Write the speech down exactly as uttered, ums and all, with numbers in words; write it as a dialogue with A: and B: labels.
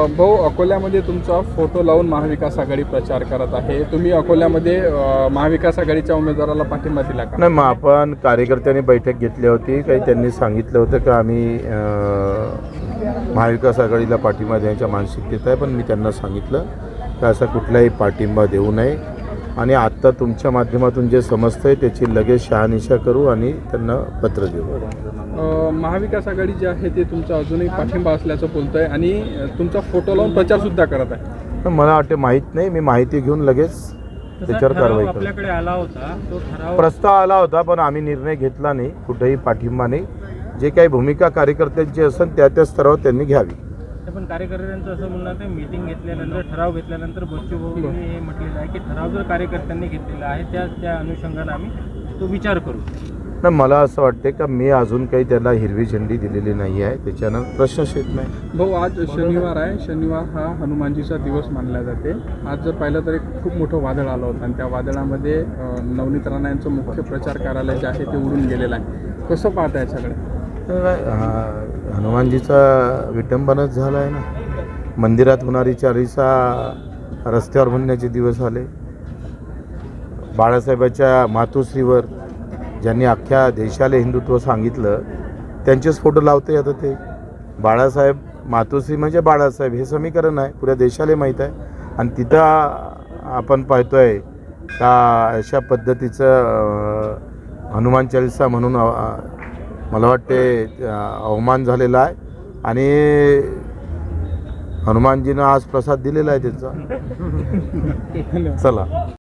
A: भाऊ, अकोल्यामध्ये तुमचा फोटो लावून महाविकास आघाडी प्रचार करत आहे. तुम्ही अकोल्यामध्ये अ, महाविकास आघाडीच्या उमेदवाराला पाठिंबा दिला का?
B: नाही, मग आपण कार्यकर्त्यांनी बैठक घेतली होती. काही त्यांनी सांगितलं होतं की आम्ही अ, महाविकास आघाडीला पाठिंबा देण्याच्या मानसिकतेत आहे, पण मी त्यांना सांगितलं की असा कुठलाही पाठिंबा देऊ नये आणि आत्ता तुमच्या माध्यमातून जे समजतंय त्याची लगेच शहानिशा करू आणि त्यांना पत्र देऊ.
A: अ, महाविकास आघाडी जी आहे ते तुमचा अजूनही पाठिंबा असल्याचं बोलतंय आणि तुमचा फोटो लावून प्रचार सुद्धा करत आहे.
B: पण मला वाटते माहीत नाही, मी माहिती घेऊन लगेच त्याच्यावर कारवाई करू.
C: आपल्याकडे आला होता तो ठराव
B: प्रस्ताव आला होता, पण आम्ही निर्णय घेतला नाही, कुठेही पाठिंबा नाही. जे काही भूमिका कार्यकर्त्यांची असेल त्या त्या स्तरावर त्यांनी घ्यावी.
C: पण कार्यकर्त्यांचं असं म्हणणं आहे मीटिंग घेतल्यानंतर ठराव घेतल्यानंतर बच्चूभाऊंनी हे म्हटलेलं आहे की ठराव जर कार्यकर्त्यांनी घेतलेला आहे त्या त्या अनुषंगाने आम्ही तो विचार करू.
B: नाही, मला असं वाटते का मी अजून काही त्याला हिरवी झेंडी दिलेली नाही आहे, त्याच्यानं प्रश्नच येत नाही.
A: भाऊ, आज शनिवार आहे. शनिवार हा हनुमानजीचा दिवस मानला जाते. आज जर पाहिलं तर एक खूप मोठं वादळ आलं होतं आणि त्या वादळामध्ये अ, नवनीत राणा यांचं मुख्य प्रचार कार्यालय जे आहे ते उडून गेलेलं आहे. कसं पाहता याच्याकडे?
B: हा, हनुमानजीचा विटंबनाच झाला आहे ना. मंदिरात होणारी चारिसा रस्त्यावर म्हणण्याचे दिवस आले. बाळासाहेबाच्या मातोश्रीवर ज्यांनी अख्ख्या देशाला हिंदुत्व सांगितलं त्यांचेच फोटो लावते. आता ते बाळासाहेब मातोश्री म्हणजे बाळासाहेब हे समीकरण आहे, पुऱ्या देशाला माहीत आहे. आणि तिथं आपण पाहतोय का अशा पद्धतीचं हनुमान चालीसा म्हणून मला वाटते अवमान झालेला आहे. आणि हनुमानजीनं आज प्रसाद दिलेला आहे त्यांचा. चला.